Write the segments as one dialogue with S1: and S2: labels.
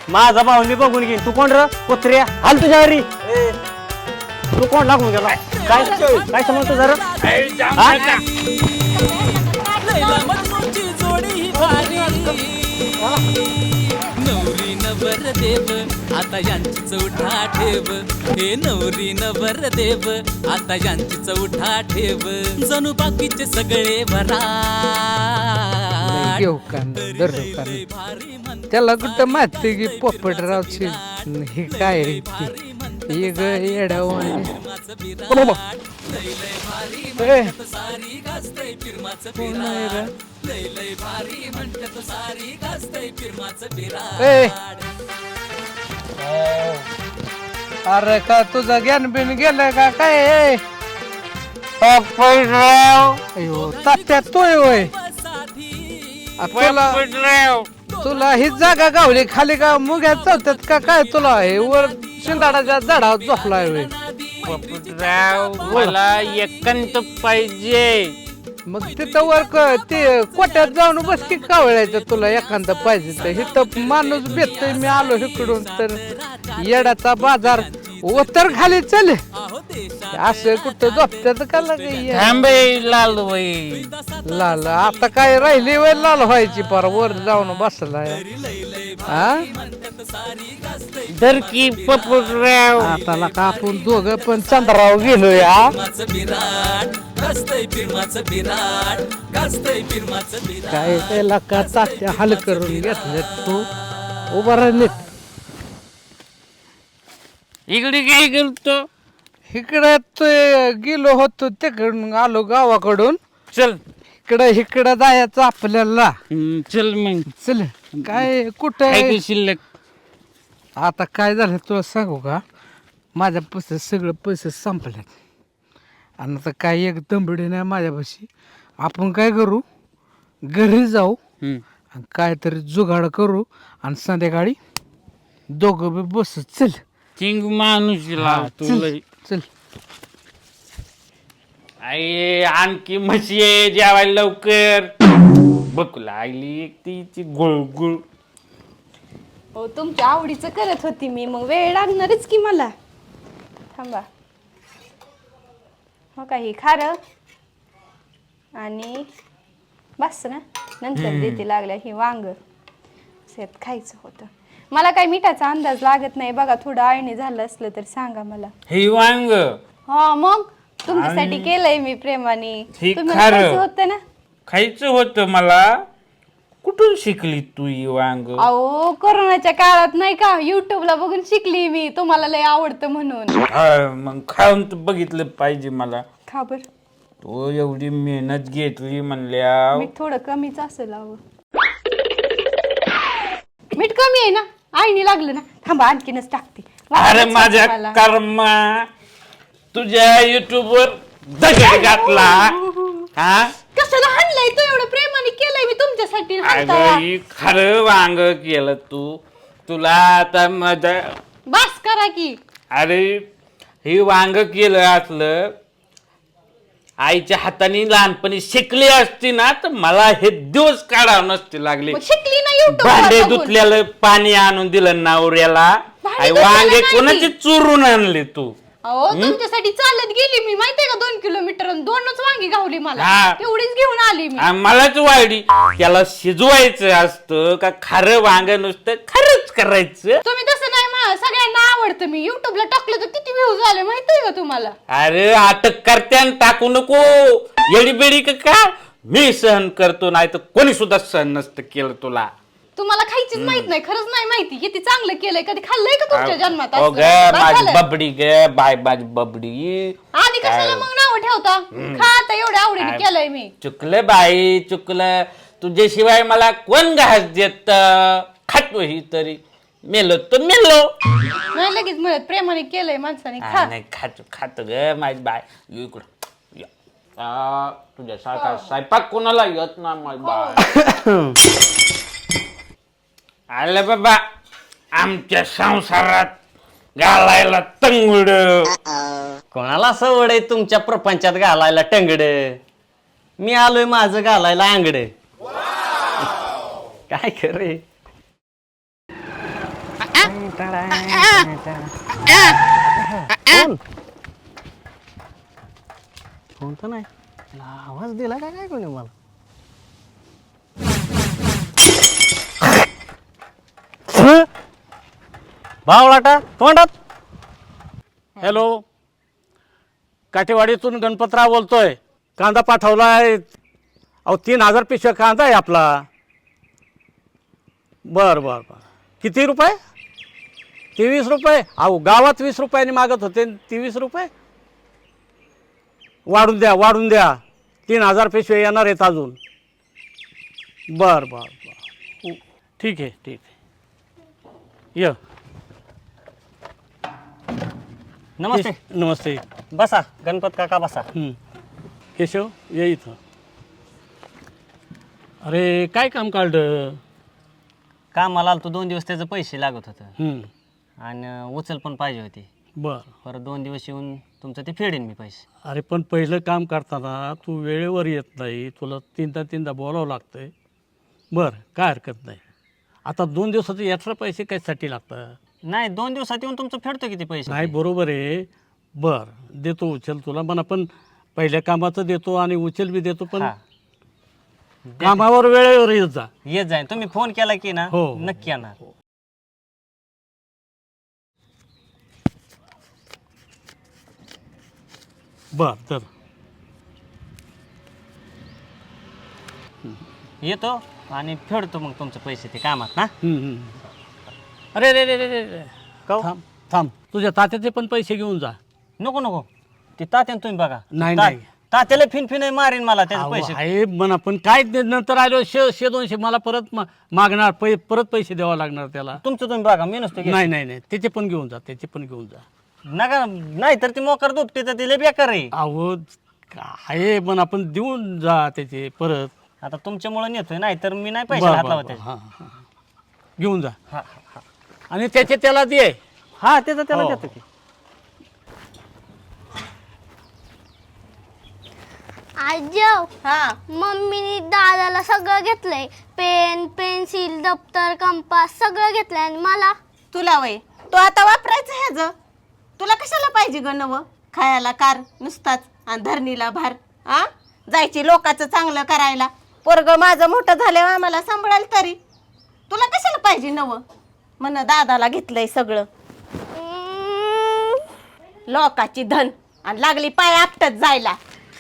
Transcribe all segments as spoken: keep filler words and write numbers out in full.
S1: माझा भाऊ मी बघून घेईन. तू कोण र कुत्र्या हाल तुझ्या घरी. तू कोण लागून गेला काय काय समजतो जरा
S2: नवरी नवर देव आता यांची चौथा ठेव. हे नवरी नवर देव आता यांची चौथा ठेव. जणू बाकीचे सगळे भरा
S3: घेऊ का त्याला कुठं माहिती की पोपटरावची हे काय रे हे ग येड्यावर अरे का तुझं ज्ञान बिन गेलं का काय अयो तात्या तोय होय तुला तुला ही जागा गावली खाली का मुग्या चौथ्यात का काय तुला हे वर शिंदाडाच्या झाडावर झोपलाय होय
S4: मला एकांत पाहिजे.
S3: मग तिथं वर ते कोट्यात जाऊन बस की कावळ्याचं तुला एखादं पाहिजे तर इथं माणूस भेटतोय मी आलो इकडून तर येडाचा बाजार उतर खाली चल असं कुठं झोपत्यात का लागे
S4: थांबे लाल बाई
S3: लाल आता काय राहिली वय लाल व्हायची पर वर जाऊन बसलाय हा
S4: धर की पपुराव.
S3: आता का आपण दोघं पण चंद्राव गेलो या काय त्याला का तात्या हाल करून घेतलं तू उभा राहिलेत
S4: इकडे काय करतो.
S3: इकडे ते गेलो होतो तिकडून आलो गावाकडून.
S4: चल
S3: इकडं इकडं जायचं आपल्याला.
S4: हम्म, चल मग
S3: चल काय कुठं
S4: काय काय शिल्लक.
S3: आता काय झालं तुला सांगू का माझ्या पैसे सगळं पैसे संपल्यात आणि आता काय एक दंबडी नाही माझ्यापाशी. आपण काय करू घरी जाऊ
S4: हम्म.
S3: आणि काहीतरी जुगाड करू आणि संध्याकाळी दोघं बी बस चल
S4: चिंग माणूस तुला
S3: चल चल
S4: आई आणखी म्हशी आहे जेवायला लवकर. बघ लागली एक तिची गुळगुळ.
S5: हो तुमच्या आवडीचं करत होती मी मग वेळ लागणारच की मला. थांबा हो काही खारं आणि बस ना नंतर देते लागल्या ही वांग शेत खायचं होतं. मला काही मिठाचा अंदाज लागत नाही बघा थोडं आळणी झालं असलं तर सांगा मला.
S4: हे वांग
S5: हा मग तुमच्यासाठी केलंय मी प्रेमाने.
S4: हे
S5: तुम्ही
S4: खारं.
S5: खायचं होतं ना.
S4: खायचं होतं मला. कुठून शिकली तू ही वांग.
S5: अहो कोरोनाच्या काळात नाही का युट्यूबला बघून शिकली मी. तुम्हाला लय आवडतं म्हणून.
S4: हा, मग खाऊन तर बघितलं पाहिजे मला.
S5: खा बर.
S4: तो एवढी मेहनत घेतली म्हणल्या.
S5: मीठ थोडं कमीच असेल अहो. मीठ कमी आहे ना आईने लागलं ना. थांबा आणखीनच टाकते.
S4: अरे माझ्या कर्मा तुझ्या युट्यूब वर दगड घातला. हा
S5: कशाला हाणलंय तू एवढं प्रेमाने केलंय मी तुमच्यासाठी. हाणताय.
S4: अगं ही खरं वांग केलं तू. तुला आता माझ्या
S5: बस करा की.
S4: अरे हे वांग केलं असलं आईच्या हाताने लहानपणी शिकली असती ना तर मला हे दिवस काढावं नसते लागले.
S5: मग शिकली ना युट्यूब
S4: भांडे धुतल्याला पाणी आणून दिलं नवऱ्याला.
S5: भांडे
S4: वांगे
S5: धुतलेलं
S4: कोणाचे चुरून आणले तू.
S5: अहो तुमच्यासाठी चालत गेली मी माहितीये का दोन किलोमीटर दोनच वांगी गावली मला.
S4: हा.
S5: तेवढीच घेऊन आली मी.
S4: आ, मलाच वाढी त्याला शिजवायचं असतं का खरं वांग नुसतं खरंच करायचं.
S5: तुम्ही तसं नाही मा सगळ्यांना आवडतं. मी युट्यूबला टाकलं तर किती व्ह्यूज आले माहितीये का तुम्हाला.
S4: अरे अटक करत्यान टाकू नको येडी बेडी का का मी सहन करतो नाही तर कोणी सुद्धा सहन नसतं केलं तुला.
S5: तुम्हाला खायचीच माहित नाही खरंच नाही माहिती किती चांगलं केलंय. कधी खाल्लंय का तुमच्या जन्मात
S4: ओ
S5: असं?
S4: ग
S5: बस
S4: माझी
S5: झालं.
S4: बबडी ग बाय माझी बबडी.
S5: आधी कशाला मग नाव ठेवता. खा आता एवढ्या आवडीने केलंय मी.
S4: चुकलं बाई चुकलं. तुझ्याशिवाय मला कोण घास देत. खातो ही तरी मेलो तर मेलो.
S5: नाही लगेच मिळत प्रेमाने केलंय माणसाने. खा.
S4: नाही खातो खातो ग माझी बाय इकडं. तुझ्यासारखा स्वयंपाक कोणाला येत ना माझी बाय. आलं बाबा आमच्या संसारात घालायला तंगड.
S1: कोणाला सवड आहे तुमच्या प्रपंचात घालायला टंगड. मी आलोय माझं घालायला आंगड. काय खरे फोन फोन तर नाही आवाज दिला का काय कोणी मला भावलाटा तोंडात.
S4: हॅलो, काठेवाडीतून गणपतराव बोलतोय. कांदा पाठवलाय. अहो तीन हजार पिशव्या कांदा आहे आपला. बर बर बर किती रुपये? तेवीस रुपये. अहो गावात वीस रुपयाने मागत होते, तेवीस रुपये वाढून द्या वाढून द्या. तीन हजार पिशव्या येणार आहेत अजून. बर बर बर ठीक आहे ठीक आहे. य
S1: नमस्ते.
S4: नमस्ते.
S1: बसा गणपत काका बसा.
S4: हं. केशव ये इथं. अरे काय काम काढलं?
S1: कामाला आलो तो दोन दिवस त्याचे पैसे लागत होतं
S4: हं.
S1: आणि उचल पण पाहिजे होती.
S4: बर.
S1: परत दोन दिवस येऊन तुमचं ते फेडेन मी पैसे.
S4: अरे पण पहिलं काम करताना तू वेळेवर येत नाही, तुला तीनदा तीनदा बोलावं लागतंय. बरं काय हरकत नाही. आता दोन दिवसाचे एक्स्ट्रा पैसे कशासाठी लागतात?
S1: नाही दोन दिवसात येऊन तुमचं फेडतो किती पैसे?
S4: नाही बरोबर आहे. बरं देतो उचल तुला म्हणा, पण पहिल्या कामाचं देतो आणि उचल बी देतो, पण
S1: हा.
S4: कामावर वेळेवर येत जा.
S1: येत जाईन. तुम्ही फोन केला की ना
S4: हो.
S1: नक्की येणार.
S4: बर तर
S1: येतो आणि फेडतो मग तुमचे पैसे ते कामात ना.
S4: हं, हं. अरे रे रे रे रे रे.
S1: काहो?
S4: थांब थांब तुझ्या तात्याचे पण पैसे घेऊन जा.
S1: नको नको ते तात्यानं तुम्ही बघा.
S4: नाही,
S1: ता-
S4: नाही.
S1: तात्याला फिन फिन मारीन मला त्याचे
S4: अहो,
S1: पैसे.
S4: आहे म्हणा, पण काय ते नंतर आलो शे शे दोनशे मला परत मा- मागणार पै परत पैसे द्यावा लागणार त्याला.
S1: तुमचं तुम्ही बघा मी नसतो घेत.
S4: नाही नाही नाही त्याचे पण घेऊन जा त्याचे पण घेऊन जा.
S1: नका नाही तर ती मोकर दुपटी तर तिला बेकार आहे.
S4: अहो आहे पण आपण देऊन जा त्याचे परत.
S1: आता तुमच्यामुळे नेतोय, नाही तर मी नाही पैसे
S4: बरं,
S1: हात
S4: बरं,
S1: लावत
S4: बरं.
S1: त्याचे.
S4: हां, हां. घेऊन जा
S1: हा हा
S4: आणि त्याचे त्याला दे.
S1: हा त्याचं त्याला
S4: हो.
S1: देतो की.
S6: आजव
S7: हा
S6: मम्मीने दादाला सगळं घेतलंय. पेन पेन्सिल दप्तर कंपास सगळं घेतलंय आणि मला
S7: तुला वय तो आता वापरायचं ह्याच. तुला कशाला पाहिजे ग नवं? खायला कार नुसताच आणि धरणीला भार. आ जायची लोकांचं चांगलं करायला. पोरग माझं मोठं झाल्यावर आम्हाला सांभाळाल तरी तुला कशाला पाहिजे नवं? म्हण दादाला घेतलंय सगळं.
S6: हम्म,
S7: लोकाची धन आणि लागली पाय आपटत जायला.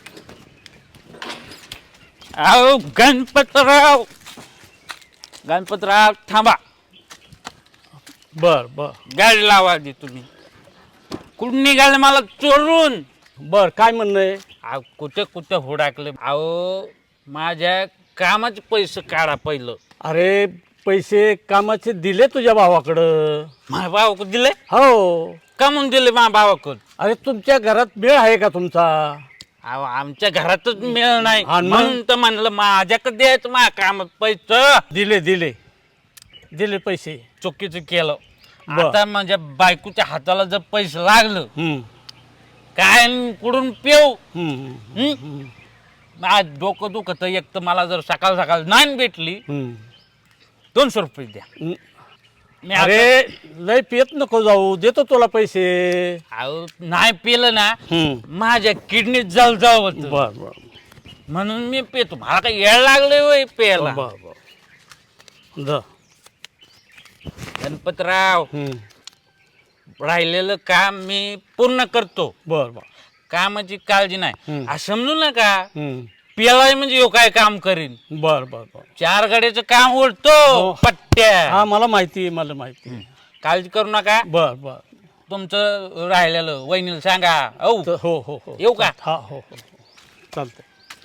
S4: अहो गणपतराव गणपतराव थांबा. बर बर गाडी लावा आधी तुम्ही. कुठून निघाले मला चोरून? बर काय म्हणणं आहे? अहो कुठे कुठे हुडाकले. अहो माझ्या कामाचे पैसे काढा पहिलं. अरे पैसे कामाचे दिले तुझ्या भावाकडं. माझ्या भावाकडे दिले? हो. का म्हणून दिले माझ्या भावाकडं? अरे तुमच्या घरात मेळ आहे का तुमचा? अहो आमच्या घरातच मेळ नाही म्हणून तर म्हणलं माझ्याकडे द्यायचं माझ्या कामात पैसे. दिले दिले दिले पैसे. चुकीचं केलं. आता माझ्या बायकोच्या हाताला जर पैसे लागलं काय कुठून पेऊ. आज डोकं दुखत. एक तर मला जर सकाळ सकाळ नाही भेटली दोनशे रुपये द्या. मी अरे लय पेत नको जाऊ, देतो तुला पैसे. अहो नाही पेलं ना माझ्या किडनीत जळ जाव होत. बर बर म्हणून मी पेतो. मला काही येळ लागले होय पेला. बर बर गणपतराव राहिलेलं काम मी पूर्ण करतो. बर बर कामाची काळजी नाही. असं समजू नका पेलाय म्हणजे यो काय काम करीन. बर बर बर चार गाड्याचं काम ओढतो पट्ट्या. हा मला माहिती मला माहिती. काळजी करू नका. बर बर तुमचं राहिलेलं वहिनीला सांगा. हो हो हो येऊ का? हा हो हो चालतंय.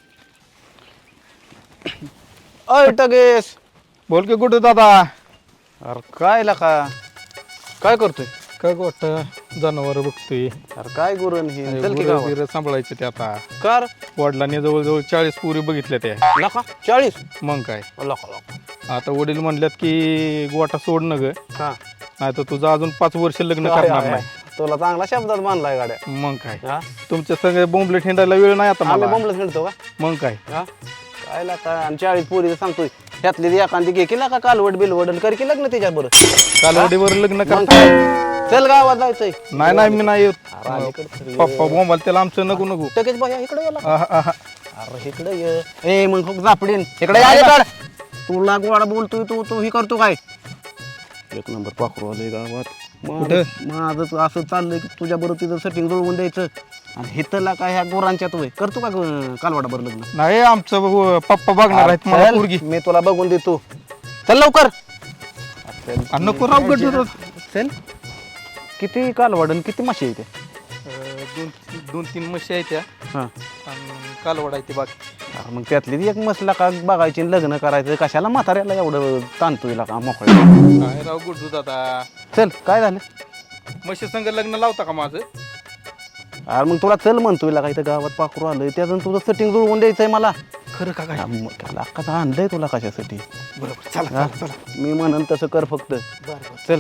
S8: अय टगेश बोल की कुठे दादा? अरे काय लका काय करतोय? काय गोट जनावर बघतोय. अरे काय गुरण हे सांभाळायचं ते आता. कर वडिलांनी जवळजवळ चाळीस पुरी बघितल्या त्या. लका चाळीस? मग काय आता वडील म्हणल्यात की गोटा सोड न ग. नाही तर तुझं अजून पाच वर्ष लग्न करणार नाही.
S9: तुला चांगला शब्दात बांधलाय गाड्या.
S8: मग काय तुमच्या सगळे बोंबले ठेंडायला वेळ नाही आता मला.
S9: बोंबलत खेळतो का?
S8: मग काय
S9: काय लागता आणि चाळीस पोरी सांगतोय ह्यातली ती एखादी घे केला का कालवड बिलवड आणि कर की लग्न त्याच्या बरं
S8: कालवडीवर लग्न
S9: मग
S8: कर.
S9: काय? चल गावात जायचंय
S8: नाही नाही मी नाही येत.
S9: अलीकडे तरी ये.
S8: पप्पा बोंबाल त्याला आमचं नको नको.
S9: टकेच बाया इकडे गेला
S8: आहा, आहा.
S9: अरे इकडे ये ए मग खूप झापडीन इकडे या काढ तुला गोडा बोलतोय तू तू ही करतो काय एक नंबर पाखरू आलंय गावात
S8: कुठं?
S9: माझं माझं असं चाललंय की तुझ्या बरोबर तिथं सेटिंग जुळवून द्यायचं आणि हितला काय ह्या गोरांच्या तू करतो का कालवाडा बरं लग्न
S8: नाही आमचं बघू, पप्पा बघणार आहेत मला
S9: चल,
S8: पोरगी.
S9: मी तुला बघून देतो चल लवकर
S8: आ, नको राव गड्डू.
S9: चल किती कालवाड आणि किती माशी येते
S8: अं, दोन दोन तीन म्हशी आहेत त्या
S9: हां
S8: आणि कालवड आहे ती बाकी.
S9: मग त्यातली ती एक मसला का बघायची आणि लग्न करायचं कशाला म्हाताऱ्याला एवढं ताणतोय का मोकळं
S8: काय राव गुड्डू दादा,
S9: चल काय झालं
S8: म्हशी संग लग्न लावता का माझं?
S9: अरे मग तुला चल म्हणतोय का इथं गावात पाखरू आलंय त्यातून तुझं सेटिंग जुळवून द्यायचंय मला
S8: खरं का काय?
S9: लाखाचं आणलंय तुला कशासाठी
S8: बरोबर चला
S9: हा?
S8: चला चला.
S9: मी म्हणन तसं कर फक्त चल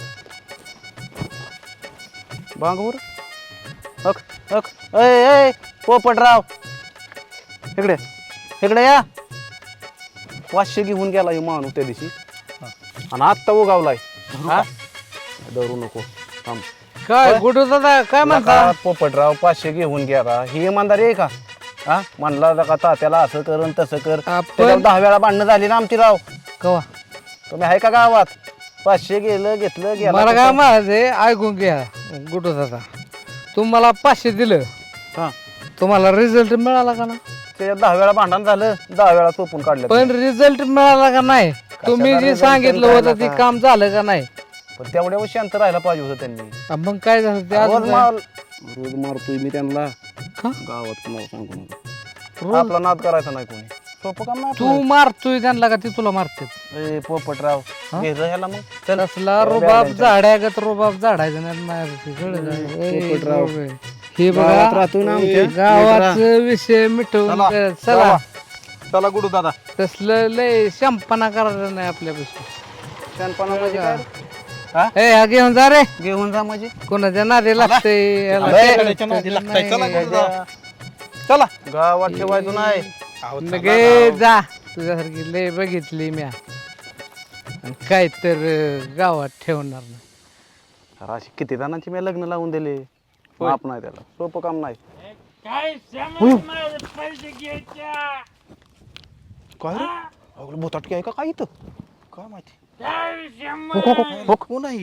S9: बांगूर हक हक अय अय पोपटराव इकडे इकडे या पाचशे घेऊन गेला हे माणूस त्या दिवशी आणि आत्ता उगावलाय हा धरू नको थांब
S3: काय गुडू दादा काय म्हणता?
S9: नका पोपटराव पाचशे घेऊन गेला ही इमानदारी आहे का हा म्हणला का तात्याला असं कर आणि तसं कर
S3: आपण-
S9: त्याच्यावर दहा वेळा भांडणं झाली ना आमची राव
S3: कवा
S9: तुम्ही आहे का गावात पाचशे गेलं घेतलं गेलं
S3: मला काय म्हणायचंय ऐकून घ्या गुडू दादा तुम्हाला पाचशे दिलं
S9: हा
S3: तुम्हाला रिझल्ट मिळाला का ना?
S9: त्याच्यात दहा वेळा भांडण झालं दहा वेळा चोपून काढलं
S3: पण रिझल्ट मिळाला का नाही? तुम्ही जे
S9: result
S3: सांगितलं
S9: काय
S3: होतं ते
S9: नका?
S3: काम झालं का नाही?
S9: पण तेवढ्या वेळी शांत राहायला पाहिजे होतं त्यांनी
S3: आ, मग काय झालं ते
S9: रोज
S3: अजून
S9: मार रोज मारतोय मी त्यांना
S3: का?
S9: गावात कुणाला सांगू नका आपला नाद करायचा नाही कोणी सोपं काम नाही
S3: तू मारतोय त्यांना का ते तुला मारते?
S9: आपलं. ए पोपटराव घे जा ह्याला मग चल
S3: तसला रुबाब झाडागत रुबाब झाडायचं नाही माझ्यापाशी, कळलं का? ए,
S9: पोपटराव.
S3: बाबा. हे
S9: गावात
S3: बघा
S9: राहतोय ना आमच्या
S3: गावात विषय मिटवून
S8: चला,
S3: कर- चला
S8: चला. चला गुडू दादा.
S3: तसलं लय शंपना करायचं नाही आपल्यापाशी.
S9: शहाणपणा म्हणजे काय हा
S3: ए हा घेऊन जा रे,
S9: घेऊन जा म्हणजे
S3: कोणाच्या नादी लागतंय याला.
S8: खेळायच्या नादी लागताय. चला गुडू दादा. चला
S9: गावात ठेवायचं नाही
S8: अहो, चला
S3: लगे
S8: राव.
S3: जा तुझ्यासारखी लय बघितली म्या आणि काय तर अं, गावात ठेवणार नाही.
S9: अरे अशी किती जणांची मी लग्न लावून दिले माप नाही त्याला सोपं काम नाही
S4: काय सामान माझं पैसे घ्यायच्या
S9: काय रे अगं भोताटकी आहे का काय इथं
S8: काय माहिती
S4: काय सामान
S9: हो, हो, हो, हो.
S8: कोण आहे?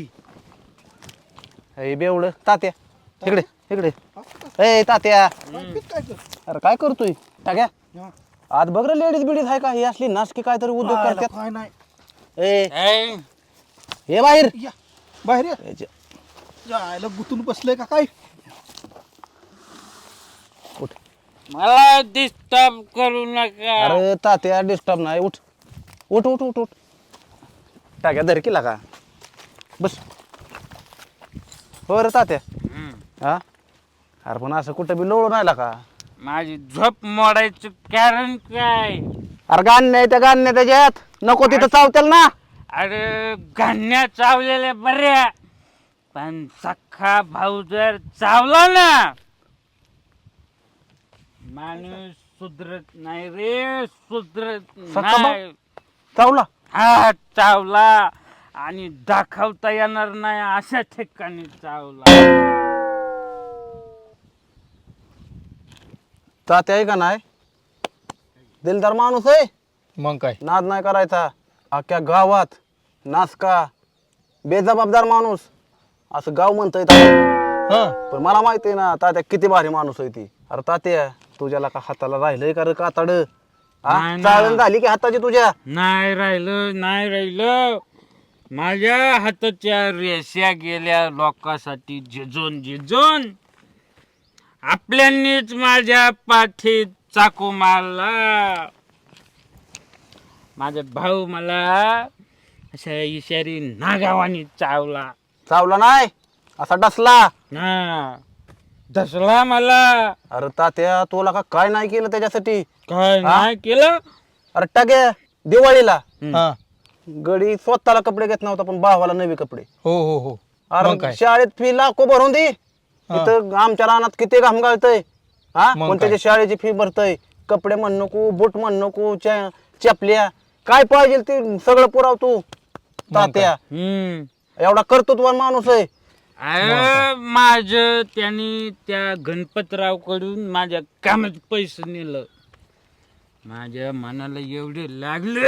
S9: हे बेवड तात्या इकडे इकडे ए तात्या अरे काय करतोय टाक्या आज बघ रे लेडीज बिडीज आहे का ही असली नासकी काय तरी उद्योग करतात
S8: काय नाही.
S9: ए
S4: ए,
S9: हे बाहेर
S8: या बाहेर या.
S9: याच्या-
S8: जायला गुतून बसलंय का काय?
S4: मला डिस्टर्ब करू नका
S9: अरे तात्या डिस्टर्ब नाही उठ उठ उठ उठ उठ टाक्या धर केला का बस हो रे तात्या
S4: हम्म.
S9: हा अरे पण असं कुठं बी लोळून राहिला का
S4: माझी झोप मोडायचं कारण काय
S9: अरे गाण नाही त्या गाण नाही त्याच्यात नको तिथं चावतेल ना
S4: अरे गाण्या चावलेल्या बऱ्या पण सख्खा भाऊ जर चावला ना माणूस सुधरत नाही रे सुधरत
S9: सख्खा भाऊ?
S4: नाही
S9: चावला
S4: हा चावला आणि दाखवता येणार नाही अशा ठिकाणी चावला
S9: तात्या आहे का नाही दिलदार माणूस आहे
S8: मग काय?
S9: नाद नाही करायचा अख्ख्या गावात नासका बेजबाबदार माणूस असं गाव म्हणतंय तात्या.
S8: हा
S9: पण मला माहिती आहे ना तात्या किती भारी माणूस आहे ती अरे तात्या तुझ्याला का हाताला राहिलंय का रे कातड
S4: नाही ना.
S9: चाळण झाली की हाताची तुझ्या
S4: नाही राहिलं नाही राहिलं माझ्या हाताच्या रेषा गेल्या लोकांसाठी झिजून झिजून आपल्यांनीच माझ्या पाठीत चाकू मारला माझा भाऊ मला अशा इशारी नागावानी चावला
S9: चावला नाही असा डसला
S4: ना दसला मला
S9: अरे तात्या तुला का काय नाही केलं त्याच्यासाठी
S4: काय
S9: हा?
S4: नाही केलं
S9: अरे टाक्या दिवाळीला
S8: हा
S9: गडी स्वतःला कपडे घेत नव्हता पण भावाला नवे कपडे
S8: हो हो हो मग
S9: अरे
S8: काय?
S9: शाळेत फी लाखो भरून दे इथं आमच्या रानात किती घाम गाळतय हा
S8: मग
S9: पण
S8: काय?
S9: त्याच्या शाळेची फी भरतय कपडे म्हण नको बूट म्हण नको च्या- चपल्या काय पाहिजे ते सगळं पुराव तू तात्या
S4: हम्म
S9: एवढा कर्तृत्वान माणूस आहे.
S4: अरे माझ त्यांनी त्या गणपतराव कडून माझ्या कामाचे पैसे नेलं. माझ्या मनाला एवढे लागले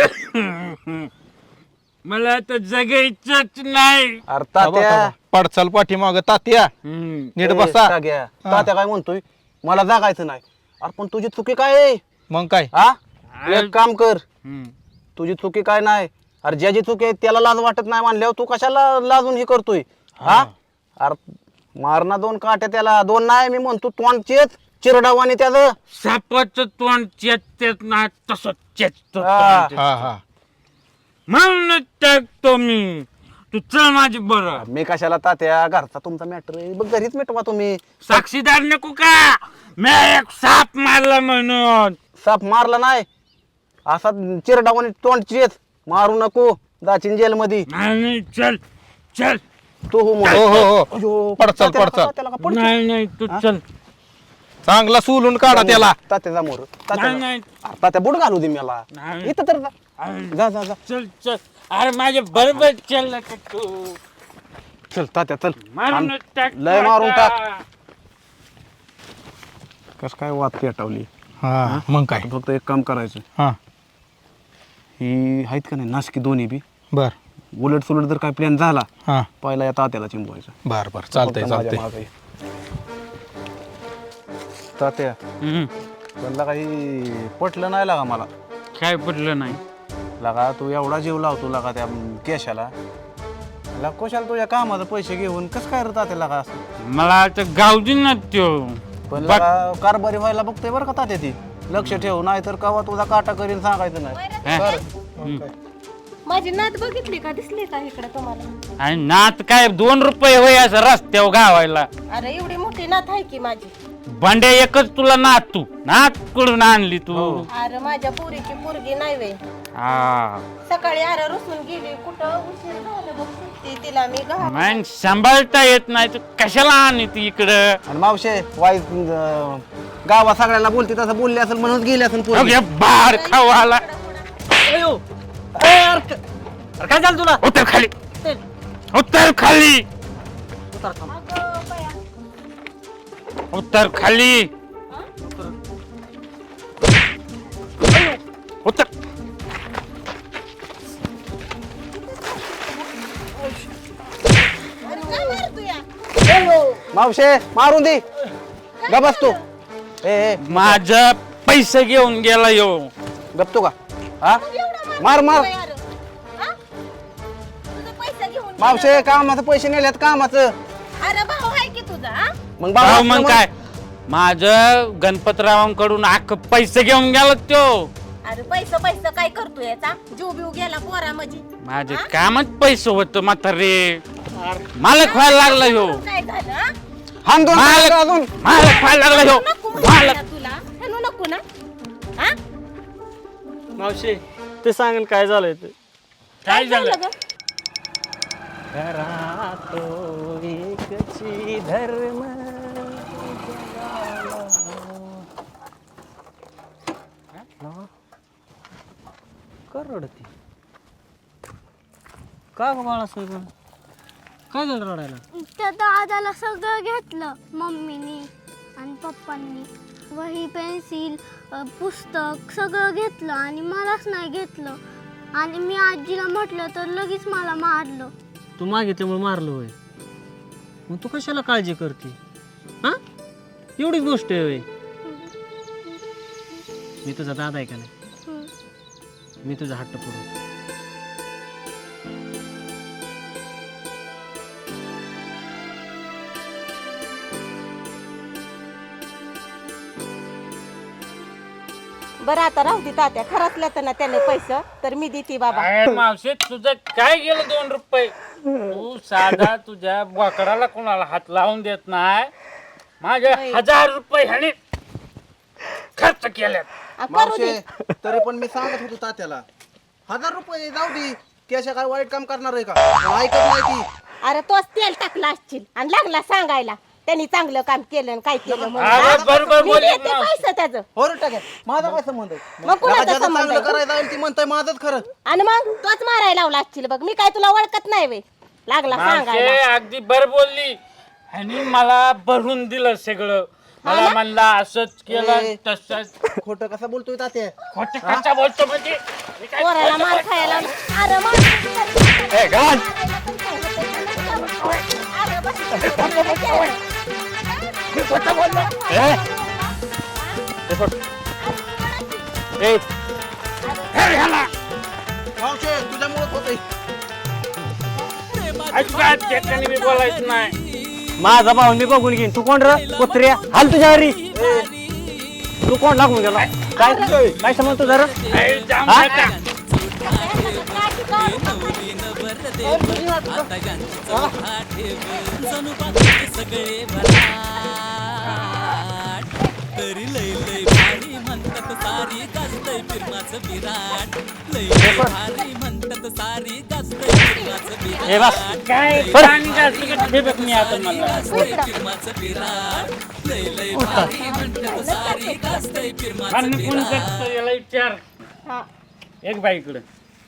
S4: मला आता जगायचंच नाही.
S9: अरे तात्या
S8: पडचाल पाठीमाग तात्या
S4: हम्म.
S8: नीट
S9: ए,
S8: बसा.
S9: ताग्या, तात्या काय म्हणतोय मला जागायचं नाही. अरे पण तुझी चुकी काय आहे
S8: मग काय
S9: हा एक काम कर
S4: हम्म.
S9: तुझी चुकी काय नाही. अरे ज्याची चुकी आहे त्याला लाज वाटत नाही मानल्यावर तू कशाला लाजून हे करतोय हा अरे मारणा दोन काट्या त्याला दोन नाही मी म्हणतो तोंडचेच चिरडावाने त्याचं
S4: सापाचं तोंड चेत नाही तसं चेत
S9: हा.
S8: हा हा
S4: म्हणून टाकतो मी. तू चल माझी बरं.
S9: मी कशाला तात्या घरचा तुमचा मॅटर आहे बघ घरीच मिटवा तुम्ही.
S4: साक्षीदार नको का मी एक साप मारला म्हणून.
S9: साप मारला नाही असा चिरडावाने तोंडचेच मारू नको जाचीन जेल मध्ये
S4: नाही नाही, चल चल.
S9: तू हो म्हण.
S8: हो हो हो
S9: अयो,
S8: पडचाल
S9: तात्याला
S8: पडचाल
S9: का- त्याला का पडची?
S4: नाही नाही तू चल.
S8: चांगला सोलून काढा त्याला.
S9: तात्याचा मोर
S4: नाही नाही
S9: तात्या बुट घालू दे मला
S4: नाही.
S9: इथं तर जा. जा जा जा
S4: चल चल. अरे माझ्या बरोबर चल ना तू.
S9: चल तात्या चल
S4: मारून टाक
S9: लय मारून टाक.
S4: आता.
S9: कस काय वाद पेटवली.
S8: हा मग काय
S9: फक्त एक काम करायचं
S8: हा
S9: ही आहेत का नाही नाशकी दोन्ही बी
S8: बर
S9: उलट सुलट जर काय प्लॅन झाला
S8: हा
S9: पहिला या तात्याला चिंबवायचं.
S8: बर बर चालतंय
S9: फक्त माझ्या
S8: चालतंय.
S9: मागं ये. तात्या
S4: हम्म.
S9: पण काही पटलं नाही लागा मला.
S4: काय पडलं नाही.
S9: लगा तू एवढा जीव लावतो लगा त्या केशाला लगा कशाला तुझ्या कामाचे पैसे घेऊन कसं काय रे तात्या लगा असं.
S4: मला आता गावदी ना त्यो.
S9: पण लगा कारभारी व्हायला बघतोय बरं का तात्या ती लक्ष ठेव नाही तर कवा तुझा काटा करीन सांगायचं नाही.
S4: हा?
S7: माझी नात बघितली का दिसली का इकडे तुम्हाला?
S4: आणि नात काय दोन रुपये होय असं रस्त्यावर गावायला.
S7: अरे एवढी मोठी नात आहे की माझी.
S4: बंड्या एकच तुला नात तू नात कुठून आणली तू.
S7: अरे माझ्या पोरीची पोरगी नाही वे.
S4: हा
S7: सकाळी अरे रुसून गेली कुठं उशीर झालं बघ सुट्टी तिला मी घाल.
S4: मग सांभाळता येत नाही तू कशाला आणली ती इकडं.
S9: आणि मावशे वाईट अं, गावात सगळ्यांना बोलते तसं बोलले असेल म्हणून गेले असेल पोरगी.
S4: अगे बार खावाला.
S1: काय झालं तुला
S4: उतर खाली उतर खाली उतर खाली उतर.
S9: मावशे मारून दे ग बसतो. ए ए,
S4: माझ पैसे घेऊन गेला यो.
S9: गपतो का हा मार मार
S7: पैसे घेऊन
S9: मावशे कामाचं पैसे नेल्यात कामाचं.
S7: अरे भाऊ आहे की तुझा हा?
S9: मग
S4: भाऊ
S9: बाबा
S4: मग काय माझ गणपतरावांकडून अख्ख पैसे घेऊन गेला त्यो.
S7: अरे पैसे पैसे काय करतोय याचा जीव बिव गेला पोरा माझी.
S4: माझे कामच पैसे होत म्हातारे. मालक व्हायला लागला ह्यो.
S7: काय झालं हा?
S9: हान दोन
S4: मालक
S9: अजून
S4: मालक व्हायला लागला ह्यो.
S7: नको म्हणते
S4: मालक
S7: ना तुला हेनो नको ना हा?
S1: मावशी ते सांगेल काय झालंय ते.
S4: काय झालं.
S7: ग?
S1: धर्म कर रडती का ग बाळासाहेब काय झालं रडायला.
S6: त्या दादाला सगळं घेतलं मम्मीनी आणि पप्पांनी. वही पेन्सिल पुस्तक सगळं घेतलं आणि मलाच नाही घेतलं. आणि मी आजीला म्हटलं तर लगेच मला मारलं.
S1: तू मागितल्यामुळे मारलं होय. मग तू कशाला काळजी करते हा एवढीच गोष्ट आहे होय. मी तुझा दादा आहे का नाही मी तुझा हट्ट पुरवतो.
S7: बरं आता राहू दे तात्या खरंचल्या तर ना त्याने पैसे तर मी देते बाबा.
S4: अरे मावशे तुझं काय गेलं दोन रुपये. तू साधा तुझ्या बोकडाला कोणाला हात लावून देत नाही. माझे हजार रुपये ह्याने खर्च केल्यात.
S7: आ, करू दे.
S9: मावशे तरी पण मी सांगत होतो तात्याला हजार रुपये जाऊ दे केशा काय वाईट काम करणार आहे का पण ऐकत नाही ती.
S7: अरे तोच तेल टाकला असशील आणि लागला सांगायला त्यांनी चांगलं काम केलं आणि काय केलं म्हणून.
S4: अरे
S7: हा?
S4: बरोबर
S7: मी
S4: बोलली
S7: देते
S4: मावशी.
S7: पैसे त्याचं.
S9: हो रे टाके माझा काय संबंध आहे?
S7: मग कुणाचा
S9: ज्याचं
S7: संबंध
S9: चांगलं
S7: आहे?
S9: करायचं आहे ती म्हणताय माझंच खरं.
S7: आणि मग तोच मारायला लावला असतील बघ. मी काय तुला ओळखत नाही वे लागला
S4: मावशे
S7: सांगायला.
S4: अगदी बर बोलली आणि मला भरून दिलं सगळं. मला म्हणला असंच केलं तसंच.
S9: खोटं कसं बोलतोय तात्या?
S4: खोटं कशा बोलतो म्हणजे मी काय
S7: पोराला मार खायला लावला. अरे मार.
S1: ए गाण
S7: अरे बस.
S1: ए ए सोड. ए
S9: मावशे तुझ्यामुळेच होतंय.
S4: अजिबात ठिकाणी मी बोलायचं नाही.
S1: माझा भाऊ मी बघून घेईन. तू कोण र कुत्र्या हाल तुझ्या घरी. तू कोण लागून गेला काय काय समज तुझा र
S4: ए, जाम
S1: हा?
S4: नका.
S2: नवरी नवर देव आता यांची चौथा ठेव जणू बाकीचे सगळे भराट तरी लय लय भारी म्हणतात सारी गाजतय फिरमाचं विराट लय लय भारी म्हणतात सारी गाजतय फिरमाचं
S1: ए बस.
S2: विराट
S4: काय पाणी जास्त कधी ठेवत नाही आता मला.
S2: गाजतय फिरमाचं विराट लय लय भारी म्हणतात सारी गाजतय फिरमाचं
S4: आणि कोण
S2: विराट
S4: करतं याला विचार.
S7: हा.
S4: एक बाईकडे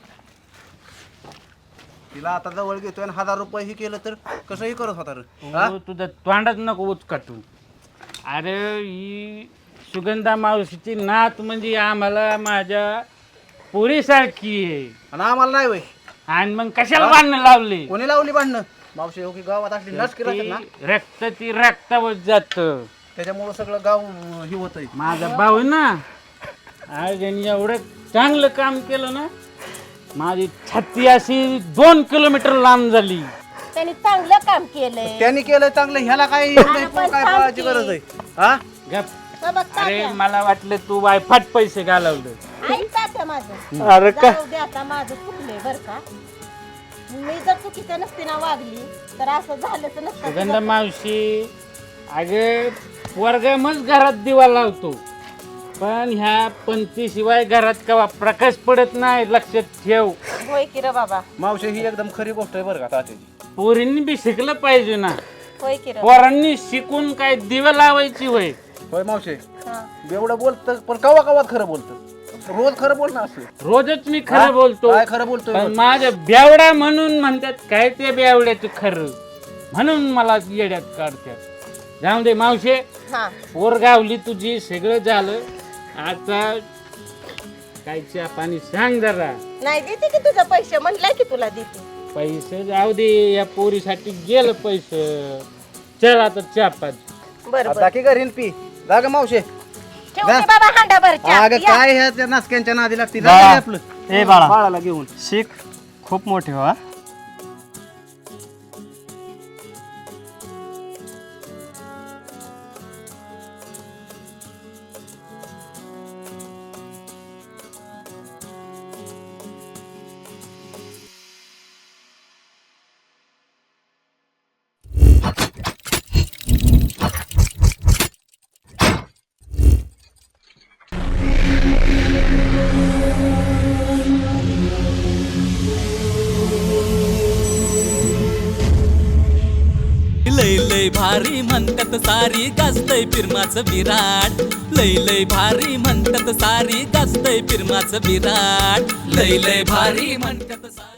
S9: तिला आता जवळ घेतोय आणि हजार रुपये ही केलं तर कसंही करत होता रे. हा?
S4: तू तुझं तोंडात नको उचकाटू. अरे ही सुगंधा मावशीची नात म्हणजे आम्हाला माझ्या पोरीसारखी आहे.
S9: आणि आम्हाला नाही वय.
S4: आणि मग कशाला बांधणं लावले.
S9: कोणी लावली भांडणं? मावशी हो की गावात असली नसकी राहते ना
S4: ती रक्त ती रक्तावर जात.
S9: त्याच्यामुळं सगळं गाव अं, हे होतंय.
S4: माझा भाऊ ना आज यांनी एवढं चांगलं काम केलं ना माझी छाती अशी दोन किलोमीटर लांब झाली.
S7: त्यांनी चांगलं काम केलंय.
S9: त्यांनी केलं चांगलं ह्याला काय
S7: पण
S9: काय पाहायची गरज आहे? हा
S4: गप.
S7: तर बघ
S4: अरे
S7: तात्या.
S4: मला वाटलं तू वायफाट पैसे घालवलं.
S7: ऐक तात्या माझं.
S1: अरे का
S7: जाऊ दे आता माझं चुकलंय बर का. मी जर चुकीचं नसती ना वागली तर असं झालंच
S4: सुगंधा
S7: नसतं.
S4: मावशी अगे वर्गामच घरात दिवा लावतो पण ह्या पंथीशिवाय घरात कवा प्रकाश पडत नाही. लक्षात ठेव.
S7: होय की रे बाबा.
S9: मावशी ही एकदम खरी गोष्ट आहे बरं का तात्याची.
S4: पोरींनी बी शिकलं पाहिजे ना.
S7: होय की रे.
S4: पोरांनी शिकून काय दिवा लावायची होय.
S9: होय मावशी
S7: हा.
S9: एवढं बोलतं पण कवा कवात खरं बोलतं. रोज खरं बोल ना असं.
S4: रोजच मी
S9: हा?
S4: खरं बोलतो
S9: काय खरं बोलतोय
S4: पण
S9: रोज?
S4: माझ्या बेवडा म्हणून म्हणतात काय ते बेवड्याचं खरं म्हणून मला येड्यात काढतात. जाऊ दे मावशे
S7: हा.
S4: पोर गावली तुझी सगळं झालं. आता काय चहा पाणी सांग जरा.
S7: नाही देते की तुझं पैसे म्हणलंय की तुला देते.
S4: पैसे जाऊ दे या पोरीसाठी गेलं पैसे. चल आता चहा पाच.
S7: बरं बरं.
S9: टाकी घरीन पी जा ग मावशे.
S7: ठेवू दे बाबा हांडा भर चहा.
S9: अगं
S7: या.
S9: काय ह्या त्या नासक्यांच्या नादी लागते
S1: बाळा.
S9: जा रे आपलं.
S1: ए बाळा
S9: बाळाला घेऊन
S1: शिक खूप मोठे हो हा.
S2: लय लय भारी म्हणतात सारी गाजतय फिरमाचं विराट लय लय भारी म्हणतात सारी गाजतय फिरमाचं विराट लय लय भारी म्हणतात सारी